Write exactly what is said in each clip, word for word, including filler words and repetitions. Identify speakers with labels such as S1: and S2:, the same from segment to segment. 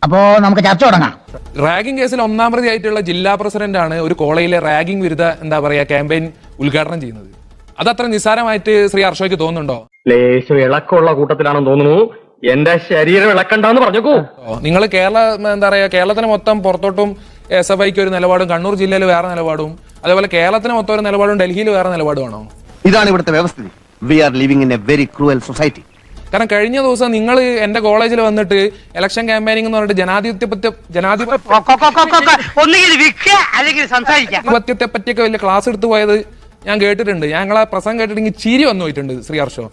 S1: അപ്പോ നമുക്ക് ചർച്ച തുടങ്ങാം.
S2: റാഗിംഗ് കേസിൽ ഒന്നാം പ്രതി ആയിട്ടുള്ള ജില്ലാ പ്രസിഡന്റ് ആണ് ഒരു കോളേജിലെ റാഗിംഗ് വിരുദ്ധ എന്താ പറയാ ക്യാമ്പയിൻ ഉദ്ഘാടനം ചെയ്യുന്നത്. അത് അത്ര നിസ്സാരമായിട്ട് ശ്രീ ഹർഷയ്ക്ക് തോന്നുന്നുണ്ടോ?
S3: ലേശം ഇളക്കമുള്ള കൂട്ടത്തിലാണെന്ന് തോന്നുന്നു. എന്റെ ശരീരം ഇളക്കണ്ടെന്ന് പറഞ്ഞേക്കൂ.
S2: നിങ്ങൾ കേരള എന്താ പറയാ കേരളത്തിന് മൊത്തം പുറത്തോട്ടും എസ് എഫ് ഐക്ക് ഒരു നിലപാടും കണ്ണൂർ ജില്ലയിൽ വേറെ നിലപാടും അതേപോലെ കേരളത്തിന് മൊത്തം ഒരു നിലപാടും ഡൽഹിയിൽ വേറെ നിലപാടുമാണോ?
S4: ഇതാണ് ഇവിടുത്തെ വ്യവസ്ഥിതി. We are living in a very cruel society.
S2: കാരണം കഴിഞ്ഞ ദിവസം നിങ്ങൾ എന്റെ കോളേജിൽ വന്നിട്ട് ഇലക്ഷൻ ക്യാമ്പയിനിങ് എന്ന് പറഞ്ഞിട്ട് ജനാധിപത്യ ജനാധിപത്യത്തെ പറ്റിയൊക്കെ വലിയ ക്ലാസ് എടുത്തു പോയത് ഞാൻ കേട്ടിട്ടുണ്ട്. ഞങ്ങളെ പ്രസംഗം കേട്ടിട്ടുണ്ടെങ്കിൽ ചിരി വന്നു പോയിട്ടുണ്ട് ശ്രീ ഹർഷോ.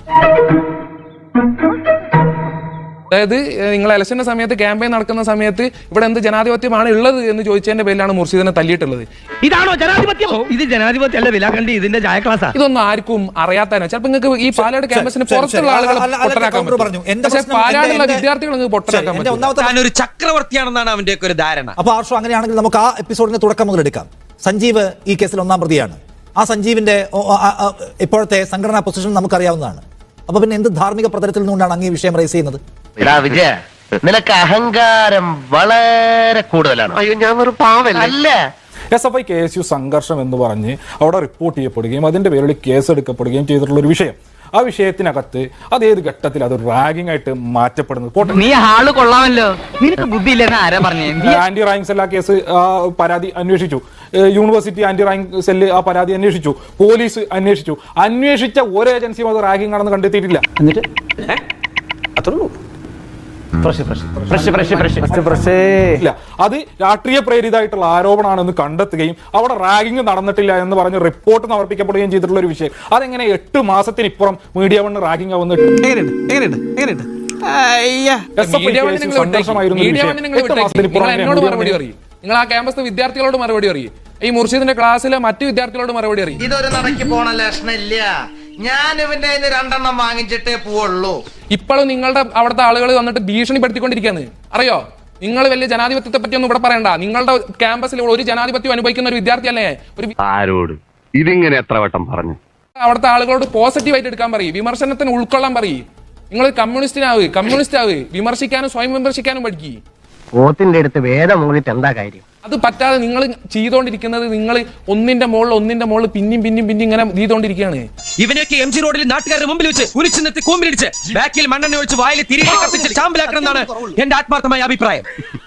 S2: അതായത് നിങ്ങൾ ഇലക്ഷന്റെ സമയത്ത് ക്യാമ്പയിൻ നടക്കുന്ന സമയത്ത് ഇവിടെ എന്ത് ജനാധിപത്യമാണ് ഉള്ളത് എന്ന് ചോദിച്ചതിന്റെ പേരിലാണ് മുർഷിദിനെ തല്ലിയിട്ടുള്ളത്.
S5: ഇതാണോ ജനാധിപത്യം? ഇത് ജനാധിപത്യം അല്ല, വിലാകണ്ടി ഇതിന്റെ ചായ ക്ലാസ്.
S2: ഇതൊന്നും ആർക്കും അറിയാത്തതിനോ ചിലപ്പോൾ നിങ്ങൾക്ക് ഈ പാലാട് ക്യാമ്പസിന് പുറത്തുള്ള ആളുകൾ പൊട്ടനാക്കാൻ പറ്റും, പക്ഷേ പാലാടുള്ള വിദ്യാർത്ഥികൾ നിങ്ങൾക്ക് പൊട്ടനാക്കാൻ പറ്റും.
S5: ഒരു ചക്രവർത്തിയാണെന്നാണ് അവന്റെ ഒക്കെ ഒരു ധാരണ.
S6: അപ്പൊ ആർഷോ, അങ്ങനെയാണെങ്കിൽ നമുക്ക് ആ എപ്പിസോഡിന്റെ തുടക്കം മുതൽ എടുക്കാം. സഞ്ജീവ് ഈ കേസിൽ ഒന്നാം പ്രതിയാണ്. ആ സഞ്ജീവിന്റെ ഇപ്പോഴത്തെ സംഘടനാ പൊസിഷൻ നമുക്കറിയാവുന്നതാണ്. അപ്പൊ പിന്നെ എന്ത് ധാർമ്മിക പ്രതലത്തിൽ നിന്നുകൊണ്ടാണ് അങ്ങ് ഈ വിഷയം റേസ് ചെയ്യുന്നത്?
S4: വിജയ, നിനക്ക് അഹങ്കാരം വളരെ കൂടുതലാണ്. അയ്യോ, ഞാൻ ഒരു പാവല്ല.
S7: S F I K S U സംഘർഷം എന്ന് പറഞ്ഞ് അവിടെ റിപ്പോർട്ട് ചെയ്യപ്പെടുകയും അതിന്റെ പേരിൽ കേസ് എടുക്കപ്പെടുകയും ചെയ്തിട്ടുള്ള ഒരു വിഷയം. ആ വിഷയത്തിനകത്ത് അതേത് ഘട്ടത്തിൽ അത് റാഗിംഗ് ആയിട്ട് മാറ്റപ്പെടുന്നത്?
S1: നീ ആള് കൊള്ളാമല്ലോ, നിനക്ക് ബുദ്ധിയില്ലെന്ന് ആരാ പറഞ്ഞേ?
S7: ആന്റി റാങ്ക് സെൽ ആ കേസ് പരാതി അന്വേഷിച്ചു. യൂണിവേഴ്സിറ്റി ആന്റി റാങ്ക് സെല്ല് ആ പരാതി അന്വേഷിച്ചു. പോലീസ് അന്വേഷിച്ചു. അന്വേഷിച്ച ഒരു ഏജൻസിയും അത് റാഗിംഗ് ആണെന്ന് കണ്ടെത്തിയിട്ടില്ല. എന്നിട്ട് അത് രാഷ്ട്രീയ പ്രേരിതമായിട്ടുള്ള ആരോപണമാണെന്ന് കണ്ടെത്തുകയും അവിടെ റാഗിംഗ് നടന്നിട്ടില്ല എന്ന് പറഞ്ഞ് റിപ്പോർട്ട് സമർപ്പിക്കപ്പെടുകയും ചെയ്തിട്ടുള്ള ഒരു വിഷയം. അതെങ്ങനെ എട്ട് മാസത്തിനിപ്പുറം മീഡിയ വൺ റാഗിംഗ് ആവുന്ന
S2: നിങ്ങൾ ആ ക്യാമ്പസ് വിദ്യാർത്ഥികളോട് മറുപടി അറിയും. ഈ മുർഷിദിന്റെ ക്ലാസ്സിലെ മറ്റു വിദ്യാർത്ഥികളോട് മറുപടി അറിയും.
S8: ഇതൊരു നടക്കി പോണ ലക്ഷണില്ല. ഞാൻ ഇവന്റെ രണ്ടെണ്ണം വാങ്ങിച്ചിട്ടേ പോവുള്ളൂ.
S2: ഇപ്പോഴും നിങ്ങളുടെ അവിടുത്തെ ആളുകൾ വന്നിട്ട് ഭീഷണിപ്പെടുത്തിക്കൊണ്ടിരിക്കുകയാണ്. അറിയോ? നിങ്ങൾ വലിയ ജനാധിപത്യത്തെ പറ്റി ഒന്നും ഇവിടെ പറയണ്ട. നിങ്ങളുടെ ക്യാമ്പസിൽ ഒരു ജനാധിപത്യം അനുഭവിക്കുന്ന ഒരു വിദ്യാർത്ഥി അല്ലേ? ഒരു
S3: ആരോട് ഇതിങ്ങനെ എത്ര വട്ടം പറഞ്ഞു?
S2: അവിടുത്തെ ആളുകളോട് പോസിറ്റീവായിട്ട് എടുക്കാൻ പറയും, വിമർശനത്തിന് ഉൾക്കൊള്ളാൻ പറയും. നിങ്ങൾ കമ്മ്യൂണിസ്റ്റിനാവ് കമ്മ്യൂണിസ്റ്റ് ആവ് വിമർശിക്കാനും സ്വയം വിമർശിക്കാനും പഠിക്കും.
S4: പോത്തിന്റെ അടുത്ത് വേദം മൂന്നിട്ട് എന്താ കാര്യം?
S2: അത് പറ്റാതെ നിങ്ങൾ ചെയ്തോണ്ടിരിക്കുന്നത് നിങ്ങൾ ഒന്നിന്റെ മുകളിൽ ഒന്നിന്റെ മുകളിൽ പിന്നെയും പിന്നെയും പിന്നെ ഇങ്ങനെ ചെയ്തോണ്ടിരിക്കുകയാണ്.
S5: ഇവനൊക്കെ എം ജി റോഡിൽ നാട്ടുകാരുടെ മുമ്പിൽ വെച്ച് കുരിച്ചു നിർത്തി കൂമ്പിലിടിച്ച് ബാക്കിൽ മണ്ണെണ്ണ ഒഴിച്ച് വായിൽ തിരികെ കത്തിച്ച് ചാമ്പലാക്കണം എന്നാണ് എന്റെ ആത്മാർത്ഥമായ അഭിപ്രായം.